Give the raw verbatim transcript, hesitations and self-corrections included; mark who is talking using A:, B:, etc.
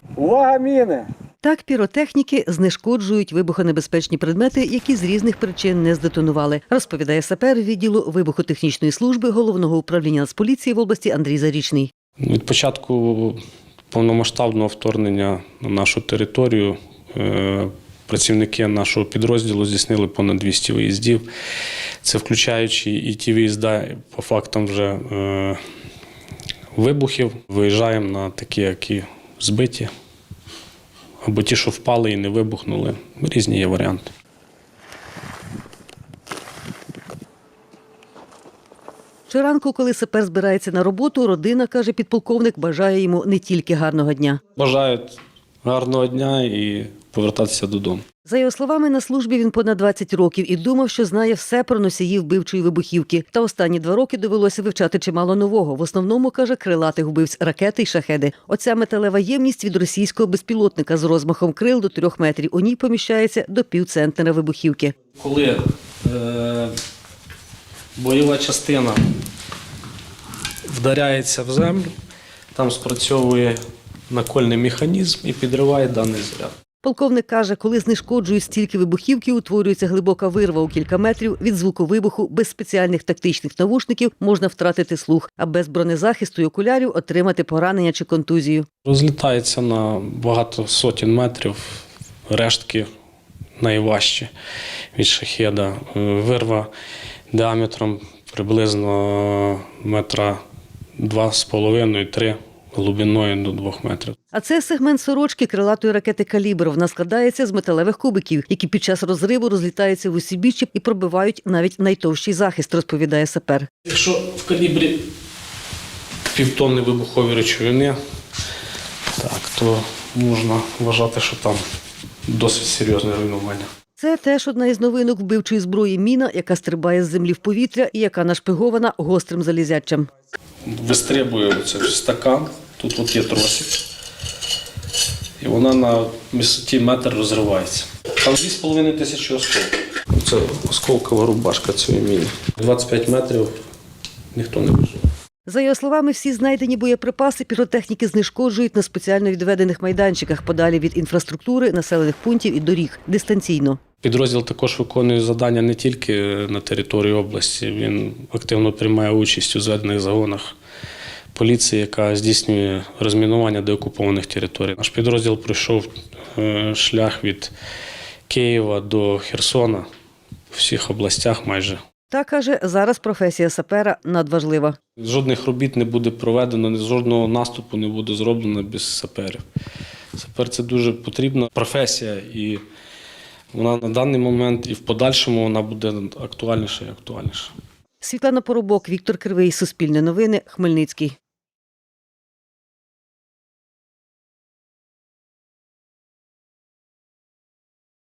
A: Увага, міни!
B: Так піротехніки знешкоджують вибухонебезпечні предмети, які з різних причин не здетонували, розповідає сапер відділу вибухотехнічної служби Головного управління Нацполіції в області Андрій Зарічний.
C: Від початку повномасштабного вторгнення на нашу територію працівники нашого підрозділу здійснили понад двісті виїздів. Це включаючи і ті виїзди по фактам вже вибухів. Виїжджаємо на такі, які збиті, або ті, що впали і не вибухнули. Різні є варіанти.
B: Щоранку, коли сапер збирається на роботу, родина, каже підполковник, бажає йому не тільки гарного дня.
C: Бажають гарного дня і повертатися додому.
B: За його словами, на службі він понад двадцять років і думав, що знає все про носіїв вбивчої вибухівки. Та останні два роки довелося вивчати чимало нового. В основному, каже, крилатих вбивць ракети й шахеди. Оця металева ємність від російського безпілотника з розмахом крил до трьох метрів. У ній поміщається до півцентнера вибухівки.
C: Коли е, бойова частина вдаряється в землю, там спрацьовує накольний механізм і підриває даний заряд.
B: Полковник каже, коли знешкоджують стільки вибухівки, утворюється глибока вирва у кілька метрів. Від звуку вибуху без спеціальних тактичних навушників можна втратити слух, а без бронезахисту й окулярів отримати поранення чи контузію.
C: Розлітається на багато сотень метрів, рештки найважчі від шахеда. Вирва діаметром приблизно метра два з половиною - три, глибиною до двох метрів.
B: А це сегмент сорочки крилатої ракети «Калібр». Вона складається з металевих кубиків, які під час розриву розлітаються в усі біччя і пробивають навіть найтовщий захист, розповідає сапер.
C: Якщо в калібрі півтонни вибухової речовини, так, то можна вважати, що там досить серйозне руйнування.
B: Це теж одна із новинок вбивчої зброї міна, яка стрибає з землі в повітря і яка нашпигована гострим залізячем.
C: Вистрибує оце стакан, тут от є тросик, і вона на висоті метр розривається. Там дві з половиною тисячі осколків. Це осколкова рубашка цієї міни. двадцять п'ять метрів ніхто не вижив.
B: За його словами, всі знайдені боєприпаси піротехніки знешкоджують на спеціально відведених майданчиках подалі від інфраструктури, населених пунктів і доріг, дистанційно.
C: Підрозділ також виконує завдання не тільки на території області, він активно приймає участь у зведених загонах поліції, яка здійснює розмінування деокупованих територій. Наш підрозділ пройшов шлях від Києва до Херсона у всіх областях майже.
B: Та, каже, зараз професія сапера надважлива.
C: Жодних робіт не буде проведено, жодного наступу не буде зроблено без саперів. Сапер – це дуже потрібна професія, і вона на даний момент і в подальшому вона буде актуальніша і актуальніша.
B: Світлана Поробок, Віктор Кривий, Суспільне новини, Хмельницький.